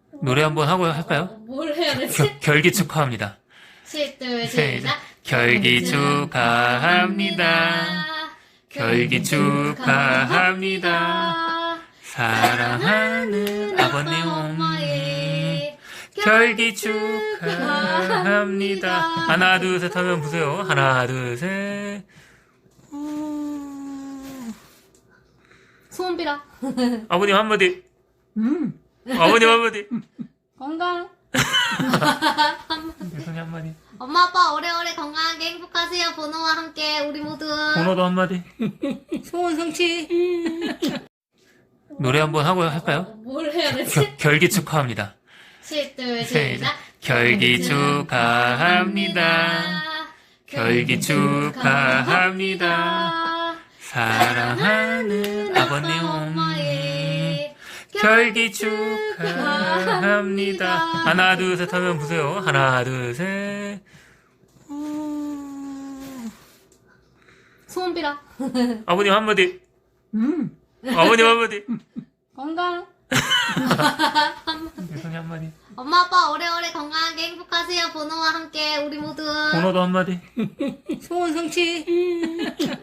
노래 한번 하고 할까요? 뭘 해야 되지? 결기 축하합니다. 둘, 시작. 결기 축하합니다. 결기 축하합니다. 사랑하는 아버님 어머니 결기 축하합니다. 하나 둘 셋 하면 보세요. 하나 둘 셋. 소원 빌어. 아버님 한마디. 아버님 한마디. 건강. 손이 한마디. 엄마 아빠 오래오래 건강하게 행복하세요. 번호와 함께 우리 모두. 번호도 한마디. 소원 성취. 노래 한번 하고 할까요? 뭘 해야 되지? 결기 축하합니다. 둘, 시작. 결기 축하합니다. 결기 축하합니다. 사랑하는 아버님 어머니 결기 축하합니다. 하나 둘 셋 하면 보세요. 하나 둘 셋. 소원 빌어. 아버님 한마디. 아버님 한마디. 건강. 손이 한마디. 엄마 아빠 오래오래 건강하게 행복하세요. 번호와 함께 우리 모두. 번호도 한마디. 소원 성취.